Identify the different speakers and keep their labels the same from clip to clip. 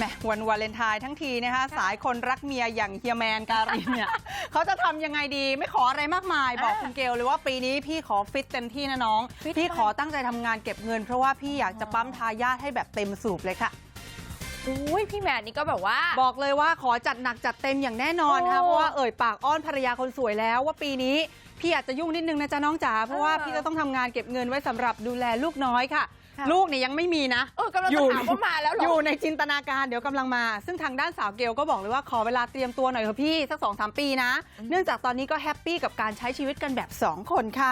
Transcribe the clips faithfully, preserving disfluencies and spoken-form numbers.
Speaker 1: วันวาเลนไทน์ทั้งทีนะคะสายคนรักเมียอย่างเฮียแมนการินเนี่ย เขาจะทำยังไงดีไม่ขออะไรมากมายบอกคุณเกลเลยว่าปีนี้พี่ขอฟิตเต็มที่นะน้องพี่ขอตั้งใจทำงานเก็บเงินเพราะว่าพี่อยากจะปั๊มทายาทให้แบบเต็มสูบเลยค่ะ
Speaker 2: อุ้ยพี่แมนนี่ก็แบบว่า
Speaker 1: บอกเลยว่าขอจัดหนักจัดเต็มอย่างแน่นอนนะคะเพราะว่าเอ่ยปากอ้อนภรรยาคนสวยแล้วว่าปีนี้พี่อาจจะยุ่งนิดนึงนะจ๊ะน้องจ๋าเพราะว่าพี่จะต้องทำงานเก็บเงินไว้สำหรับดูแลลูกน้อยค่ะลูกเนี่ยยังไม่มีนะ
Speaker 2: เออกำลังจะถามว่ามาแล้วหรอ
Speaker 1: อยู่ในจินตนาการเดี๋ยวกำลังมาซึ่งทางด้านสาวเกลก็บอกเลยว่าขอเวลาเตรียมตัวหน่อยเถอะพี่สัก สองถึงสาม ปีนะเนื่องจากตอนนี้ก็แฮปปี้กับการใช้ชีวิตกันแบบสองคนค่ะ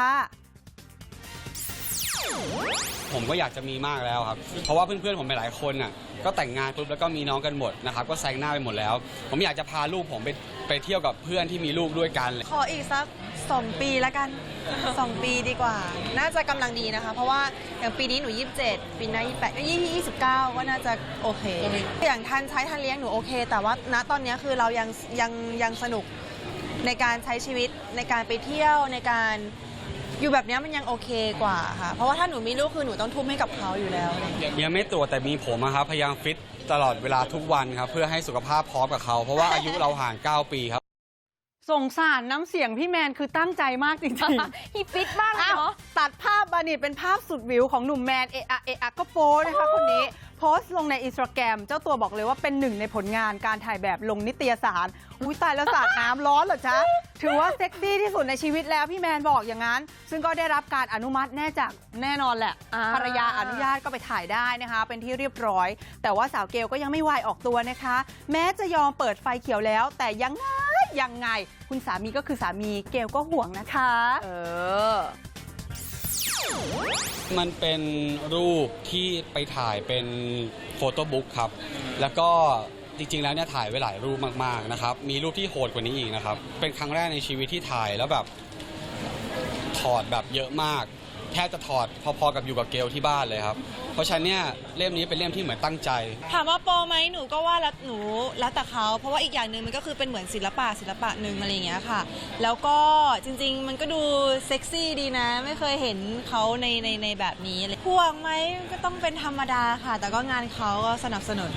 Speaker 3: ผมก็อยากจะมีมากแล้วครับเพราะว่าเพื่อนๆผมหลายคนน่ะก็แต่งงานปุ๊บแล้วก็มีน้องกันหมดนะครับก็แซงหน้าไปหมดแล้วผมอยากจะพาลูกผมไปไปเที่ยวกับเพื่อนที่มีลูกด้วยกัน
Speaker 4: ขออีกสักสองปีละกันสองปีดีกว่าน่าจะกำลังดีนะคะเพราะว่าอย่างปีนี้หนูยี่สิบเจ็ดปีหน้ายี่สิบแปดยี่สิบเก้าก็น่าจะโอเคอย่างทันใช้ทันเลี้ยงหนูโอเคแต่ว่าณตอนนี้คือเรายังยังยังสนุกในการใช้ชีวิตในการไปเที่ยวในการอยู่แบบนี้มันยังโอเคกว่าค่ะเพราะว่าถ้าหนูมีลูกคือหนูต้องทุ่มให้กับเขาอยู่แล้ว
Speaker 3: ยังไม่ตัวแต่มีผมครับพยายามฟิตตลอดเวลาทุกวันครับเพื่อให้สุขภาพพร้อมกับเขาเพราะว่าอายุเราห่างเก้าปีครับ
Speaker 1: สงสารน้ำเสียงพี่แมนคือตั้งใจมากจริงๆ
Speaker 2: ฮีฟิตมากเลยเนาะ
Speaker 1: ตัดภาพบานิตเป็นภาพสุดวิวของหนุ่มแมนเอะอะเอะอะก็โพสนะคะคนนี้โพสต์ลงในอินสตาแกรมเจ้าตัวบอกเลยว่าเป็นหนึ่งในผลงานการถ่ายแบบลงนิตยสารอุ้ยตายแล้วสาดน้ำร้อนเหรอจ๊ะถือว่าเซ็กซี่ที่สุดในชีวิตแล้วพี่แมนบอกอย่างนั้นซึ่งก็ได้รับการอนุมัติแน่จากแน่นอนแหละภรรยาอนุญาตก็ไปถ่ายได้นะคะเป็นที่เรียบร้อยแต่ว่าสาวเกลก็ยังไม่วายออกตัวนะคะแม้จะยอมเปิดไฟเขียวแล้วแต่ยังไงยังไงคุณสามีก็คือสามีเกลก็ห่วงนะคะ
Speaker 2: เออ
Speaker 3: มันเป็นรูปที่ไปถ่ายเป็นโฟโต้บุ๊กครับแล้วก็จริงๆแล้วเนี่ยถ่ายไว้หลายรูปมากๆนะครับมีรูปที่โหดกว่านี้อีกนะครับเป็นครั้งแรกในชีวิตที่ถ่ายแล้วแบบถอดแบบเยอะมากแทบจะถอดพอๆกับอยู่กับเกลที่บ้านเลยครับเพราะฉะนั้นเนี่ยเล่มนี้เป็นเล่มที่เหมือนตั้งใจ
Speaker 4: ถามว่าโปรไหมหนูก็ว่าแล้วหนูแล้วแต่เขาเพราะว่าอีกอย่างหนึ่งมันก็คือเป็นเหมือนศิลปะศิลปะหนึ่งอะไรอย่างเงี้ยค่ะแล้วก็จริงๆมันก็ดูเซ็กซี่ดีนะไม่เคยเห็นเขาในในในแบบนี้เลยห่วงไหมก็ต้องเป็นธรรมดาค่ะแต่ก็งานเขาก็สนับสนุน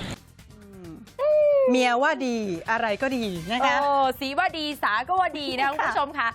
Speaker 1: เมียว่าดีอะไรก็ดีนะคะ
Speaker 2: โอ้สีว่าดีสาก็ว่าดีนะคุณผู้ชมค่ะ